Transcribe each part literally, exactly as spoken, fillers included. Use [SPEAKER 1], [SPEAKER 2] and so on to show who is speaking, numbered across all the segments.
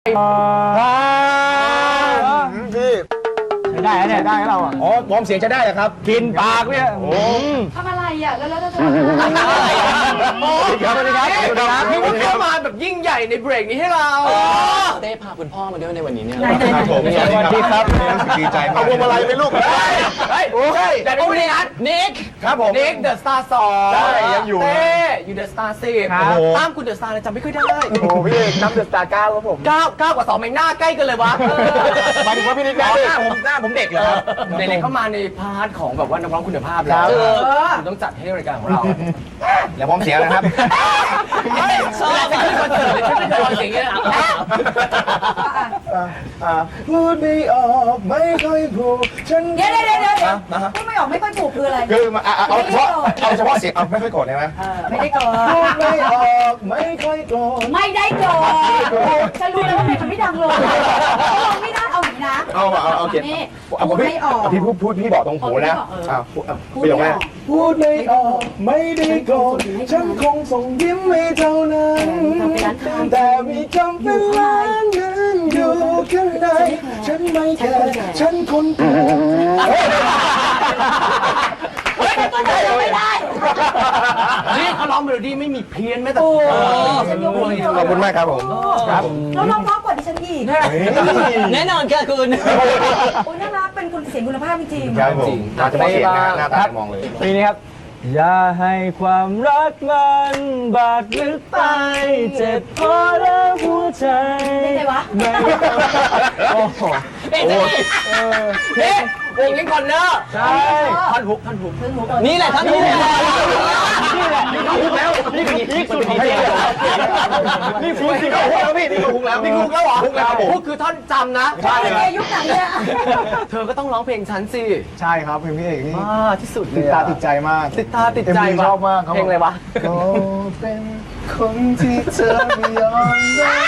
[SPEAKER 1] พี่ใช้ได้แล้วเนี่ยได้แล้วเราอ่ะอ๋อวอร์มเสียงใช้ได้เหรอครับกินปากเนี่ยโอ้
[SPEAKER 2] ทำอะไรอ่ะแล้วแล้วจะ
[SPEAKER 1] อะไรโอ้สวัสดีครับสวัสดีครับพี่วุฒิเข้ามาแบบยิ่งใหญ่ในเบรกนี้ให้เรา
[SPEAKER 3] เต้พาคุณพ่อมาด้วยในวันนี้เนี่ย
[SPEAKER 1] ครับผมสวัสดีครับดีใจมากเอาพวงมาลัยไปลูกเฮ้ยใช่แต่ไม่ได้นัดนิกครับผมนิกเดอะสตาร์สองใช่ยังอยู่เต้อยู่เดอะสตาร์สิบตามคุณเดอะสตาร์จำไม่ค่อยได้โอ้พี่เอกนับเดอะสตาร์เก้าครับผมเก้าเก้ากว่าสองแมงหน้าใกล้กันเลยวะหมายถึงว่าพี่นิกหน้าผมหน้าผมเด็กเหรอเด็กๆเข้ามาในพาร์ทของแบบว่านักร้องคุณภาพแล้วคุณต้องจัดให้รายการของเราแล้วพร้อมเสียงนะครับชอบไปขึ้นคอนเสิร์ตเลยขึ้นคอนเสิร์ตอย่างเงี้ยพูดไม่ออกไม่ค่อยพูดฉัน
[SPEAKER 2] เดี๋ยวเดี๋ยวเดี๋ยวเดี๋ยวพูดไม่ออกไม่ค่อยถูกคืออะไร
[SPEAKER 1] คือเอาเฉพาะเอาเฉพาะเสียงเอาไม่ค่อยโกรธได้ไหม
[SPEAKER 2] ไม่ได้โกรธ
[SPEAKER 1] พูดไม่ออกไม่ค่อยโกรธ
[SPEAKER 2] ไม่ได้โกรธฉันรู้แล้วว่าเพลงมันไม่ดังเลยลงไม่ได้เอาอย่างนี้นะ
[SPEAKER 1] เอาเอาเอาเก็บ
[SPEAKER 2] พูดไม่ออก
[SPEAKER 1] พี่พูดพูดพี่บอกตรงหูนะพูดอย่างไรพูดไม่ออกไม่ได้โกรธฉันคงส่งยิ้มไม่เท่านั้นแต่มีคำเป็นล้านนั้นอยู่ข้างในฉันไม่แคร์ฉันคนเดียว
[SPEAKER 2] ไม่ได้
[SPEAKER 3] นี่เขาร้องเมโลดี้ไม่มีเพี้ยนแม้แต่
[SPEAKER 1] ขอบคุณมากครับผม
[SPEAKER 2] ครับแล้วร้องเพราะกว่าดิฉันอีก
[SPEAKER 3] แน่นอนค่ะคุณ
[SPEAKER 2] โอ้น่ารักเป็นคนเสียงคุณภาพจริง
[SPEAKER 1] ครับผมน่าจะเสียงหน้าตามองเลย
[SPEAKER 4] ปีนี้ครับอย่าให้ความรักมันบาดลึกไปเจ็บพอแล้วหัวใจ
[SPEAKER 2] ไม่ใช่วะ
[SPEAKER 4] โอ้โห
[SPEAKER 3] เอ๊ะเฮ้วงลิงคอนเนอร์
[SPEAKER 4] ใช่
[SPEAKER 3] ท่อนฮุกท่อนฮุกนี่แหละท่อนฮุก
[SPEAKER 4] นี่แหละนี่ก็ฮุกแล้วนี่คือนี่สุดของเพลง
[SPEAKER 1] นี่ฮุกนี่ก็ฮุกแล้วพี่นี่ก็ฮุกแล้ว
[SPEAKER 3] นี่ฮุกแล้วเหรอฮุกแล้วฮุกคือท่อนจำนะ
[SPEAKER 2] ใช่เลยยุคไหนเนี่ย
[SPEAKER 3] เธอก็ต้องร้องเพลงฉันสิ
[SPEAKER 1] ใช่ครับเพลงพี่เอกนี่
[SPEAKER 3] ที่สุดเลย
[SPEAKER 1] ติดตาติดใจมาก
[SPEAKER 3] ติดตาติดใจ
[SPEAKER 1] ชอบมาก
[SPEAKER 3] เพลงอะไรวะ
[SPEAKER 1] ก็เป็นคนที่เธอไม่ยอมรับ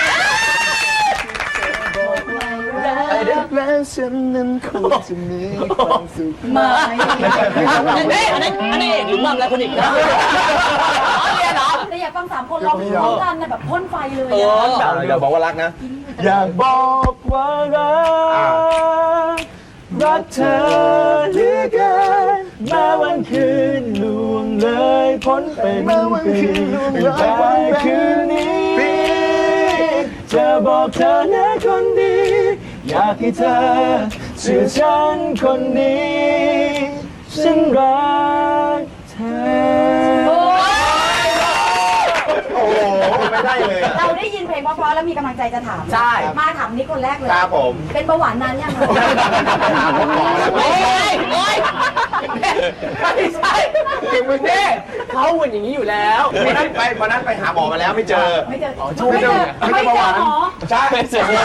[SPEAKER 1] แล้วฉันนั้นคงจะมีความสุข
[SPEAKER 2] มา
[SPEAKER 3] อันนี้อันนี้อันนี้หรือมั่มแล้วคนอีกนะ
[SPEAKER 2] เรียนเหรอแต่อยากฟังสามคนร้องพร้อมกันแบบพ่นไฟเลย
[SPEAKER 1] อย่าบอกว่ารักนะอยากบอกว่ารักรักเธอเหลือเกินแม้วันคืนล่วงเลยพ้นเป็นปีแต่คืนนี้จะบอกเธอนะคนดีอยากให้เธอเชื่อฉันคนนี้ฉันรักเธอโอ้โหไม่ได้เลย
[SPEAKER 2] เราได้ยินเพลงเพราะๆแล้วมีกำลังใจจะถาม
[SPEAKER 3] ใช่
[SPEAKER 2] มาถามนี่คนแรกเลย
[SPEAKER 1] ครับผม
[SPEAKER 2] เป็นเบาหวานนานยังคะ
[SPEAKER 3] โอ้ยโอ้ยไม่ใช่ถึงมึงเนี่ยเขาเหมือนอย่างนี้อยู่แล้ว
[SPEAKER 1] วันนั้นไปวันนั้นไปหาหมอมาแล้วไม่เจอ
[SPEAKER 2] ไม่เจอไม่เจอไม่เจอหมอ
[SPEAKER 1] ใช่ไม่เจอ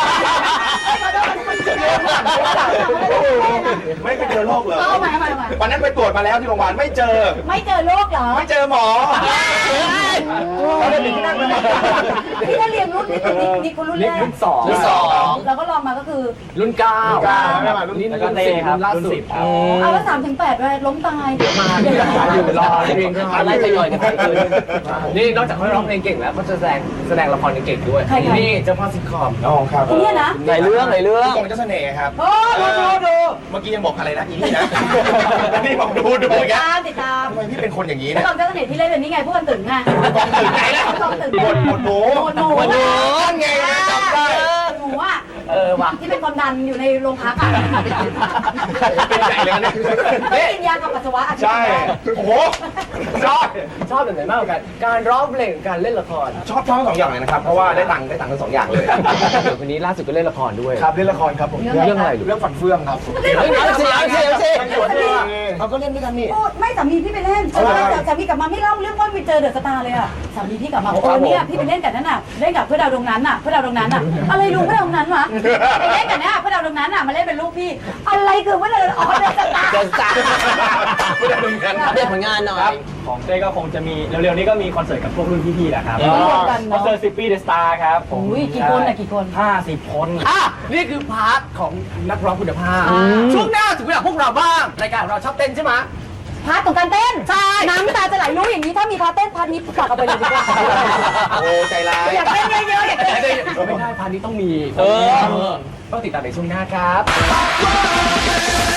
[SPEAKER 1] ไม่ไปเจอโรคเหรอวันนั้นไปตรวจมาแล้วที่โรงพยาบาลไม่เจอ
[SPEAKER 2] ไม่เจอโรคเหรอ
[SPEAKER 1] ไม่เจอหมอเราเรียนที่นั่นเลย
[SPEAKER 2] พี่ก็เรียนรุ่นนี่นี่คนรุ่นแรก
[SPEAKER 3] รุ่นสอง
[SPEAKER 2] รุ่นสองแล้วก็ลองมาก็คือ
[SPEAKER 3] รุ่นเก้า
[SPEAKER 1] ไม่มารุ่นนี้
[SPEAKER 3] แล้วก็เต้ครับรุ่นสิบ
[SPEAKER 2] เอาแล้วสามถึงแปดไปล้มตาย
[SPEAKER 3] มาอยู่รอเพลงอะไรทยอยกันไปคืนนี่นอกจากเขาร้องเพลงเก่งแล้วเขาจะแสดงแสดงละครเก่งด้วยนี่เจ้าพ่อซิทคอม
[SPEAKER 1] อ๋อครับ
[SPEAKER 2] เนี่ยนะ
[SPEAKER 3] ในเรื่องในเรื่อง
[SPEAKER 1] กองเจ้าเสน่ห์ครับ
[SPEAKER 2] โอ้ดูดูดู
[SPEAKER 1] เมื่อกี้ยังบอกอะไรนะอีนี่นะนี่บอกดูดู
[SPEAKER 2] ติดตามติดตาม
[SPEAKER 1] ทำไมพี่เป็นคนอย่างนี้
[SPEAKER 2] เนี่ยกองเจ้าเสน่ห์ที่เล่นเป็นนี่ไงพวกกันตึงไง
[SPEAKER 1] กองตึงไหนล่ะ
[SPEAKER 2] กองตึง
[SPEAKER 1] หมดหมดหมู
[SPEAKER 2] หมดหมู
[SPEAKER 3] หมดหมู
[SPEAKER 1] ไงจำได้
[SPEAKER 2] หมูอ่ะ
[SPEAKER 3] เออว่ะ
[SPEAKER 2] ที่เป็นความดันอยู่ในโรงพักอ่ะ
[SPEAKER 1] เป็นใหญ่เลยนะ
[SPEAKER 2] ไม่กินยากับปัสสาวะ
[SPEAKER 1] ใช่โอ้โห
[SPEAKER 3] ชอบชอบแบบไหนมากกว่ากันการร้องเพลงการเล่นละคร
[SPEAKER 1] ชอบชอบทั้งสองอย่างเลยนะครับเพราะว่าได้ตังค์ได้ตังค์ทั้งสองอย่างเลย
[SPEAKER 3] วันนี้ล่าสุดก็เล่นละครด้วย
[SPEAKER 1] ครับเล่นละครครับผม
[SPEAKER 3] เรื่องอะไร
[SPEAKER 1] เรื่องฝันเฟื่องครับ
[SPEAKER 3] เอาสิเอาสิเอาสิ
[SPEAKER 1] เราก็เล่นด้วยกันนี่
[SPEAKER 2] ไม่สามีพี่ไปเล่นสามีกลับมาไม่เล่าเรื่องว่าไปเจอเดอะสตาร์เลยอ่ะสามีพี่กลับมาโอ้เนี่ยพี่ไปเล่นกับนั่นน่ะเล่นกับเพื่อดาวดวงนั้นน่ะเพื่อดาวดวงนั้นน่ะอะไรลุงเพื่อดาวดวงนั้นวะไปเล่นกับเนี่ยเพื่อดาวดวงนั้นน่ะมาเล่นเป็นลูกพี่อะไรคือเพื่อดาวอ๋อเดอะสตาร์
[SPEAKER 3] เดอะสตาร์เพื่อดาวดวงนั้นเรียกผลงานหน่อย
[SPEAKER 4] ของเต้ก็คงจะมีเร็วๆนี้ก็มีคอนเสิร์ตกับพวกรุ่นพี่ๆแหละครับคอนเสิร์ตสิบปีเดอะสตาร์ครับ
[SPEAKER 2] ผมกี่คนอะกี่คน
[SPEAKER 4] ห้าสิบคน
[SPEAKER 3] อ่ะนี่คือพาร์ทของนักร้องคุณภาพช่วงหน้าถึงเวลาพวกเราบ้างรายการของเราชอบเต้นใช่ไหม
[SPEAKER 2] พาร์ทของการเต้นใช่น้ำตาจะไหลรู้อย่างนี้ถ้ามีพาร์ทเต้นพาร์ทนี้ฝากเอาไปเลยดีกว่า
[SPEAKER 1] โอ้ใจร้าย
[SPEAKER 2] อยากเต้นเยอะๆอยากเต้น
[SPEAKER 3] ไม่ได้พาร์ทนี้ต้องมี
[SPEAKER 1] เออ
[SPEAKER 3] ต้องติดตามในช่วงหน้าครับ